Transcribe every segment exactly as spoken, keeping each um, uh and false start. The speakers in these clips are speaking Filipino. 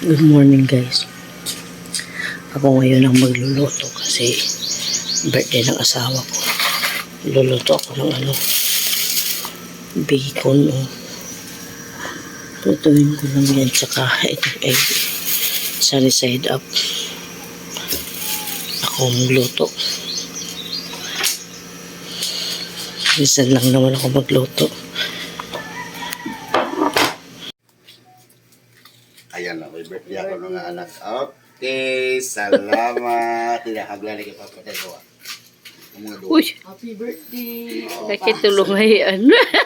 Good morning guys. Ako ngayon ang magluluto kasi birthday ng asawa ko. Luluto ako ng ano, bacon. Oh. Lutuin ko lang yan tsaka itong egg. Sunny side up. Ako magluto. Minsan lang naman ako magluto. Ayan na, may birthday ako ng anak. Okay, salamat. Tinakaglali kay Papa Tegoa. Uy! Happy birthday! Nakitulong ngayon.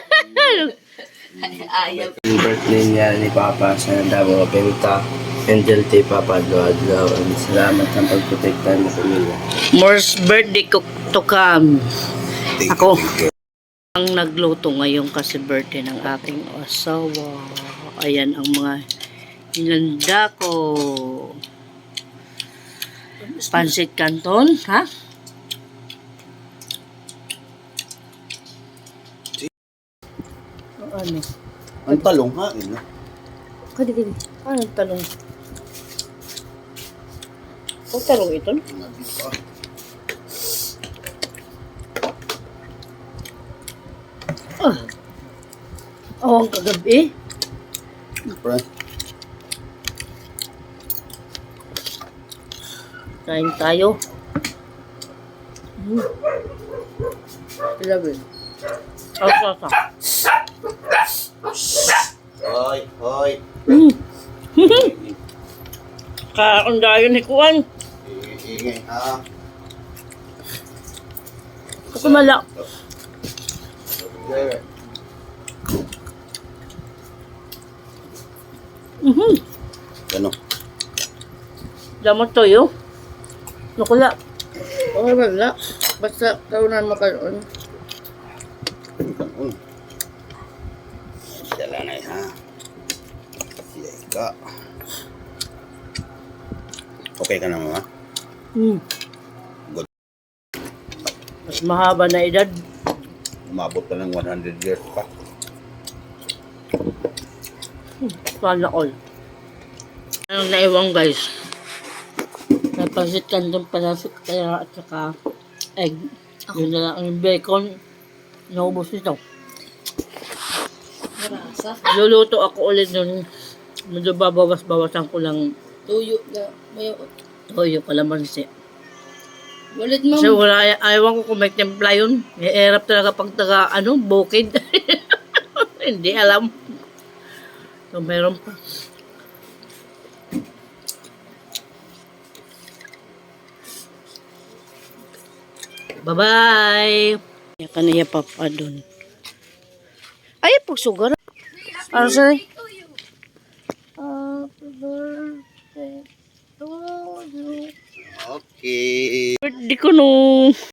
Ayaw. Yung birthday niya ni Papa sa Davao Benta. Angel T. Papa Adlaw. Salamat sa pagprotekta ng pamilya. More's birthday ko to come. Ako ang nagluto ngayon kasi birthday ng aking asawa. Ayan ang mga inanda ko. Pansit Canton, ha? Ano? Ang talong ha, ina. Kadi, kadi. Ano talong? O talong ito? Nabi pa. Ah. Oh, ang kagabi. Siyempre. Kain tayo. Hmm. Ilabi. Oh, sasa. Hoy, hoy. Hmm. Kaundayo ni Kuan. Iingay ha. Ako mala. Okay. Mhm. Ano? Damot toyo. Nukula. Okay ba na? Basta kaunan mo karoon. Kanon. Dala na ha. Yay ka. Okay ka na mama? Hmm. Good. Mas mahaba na edad. Umabot ka ng one hundred years pa. Sana all. Anong naiwang guys? Napansit Canton panasik kaya at saka egg. Yun na lang ang bacon. Naubos nito. Marasa. Luluto ako ulit nun. Medyo babawas-bawasan ko lang Tuyo na. May toyo kalamansi. Walit Kasi ma'am. wala, ayaw ko kung may templa yun. May erap talaga pag taga, ano, bukid. Hindi alam. So, meron pa. Bye-bye! Yaka na ya papa dun. Ay, pagsugar. Ano sa'yo? Happy birthday to you. Okay. Birthday ko nung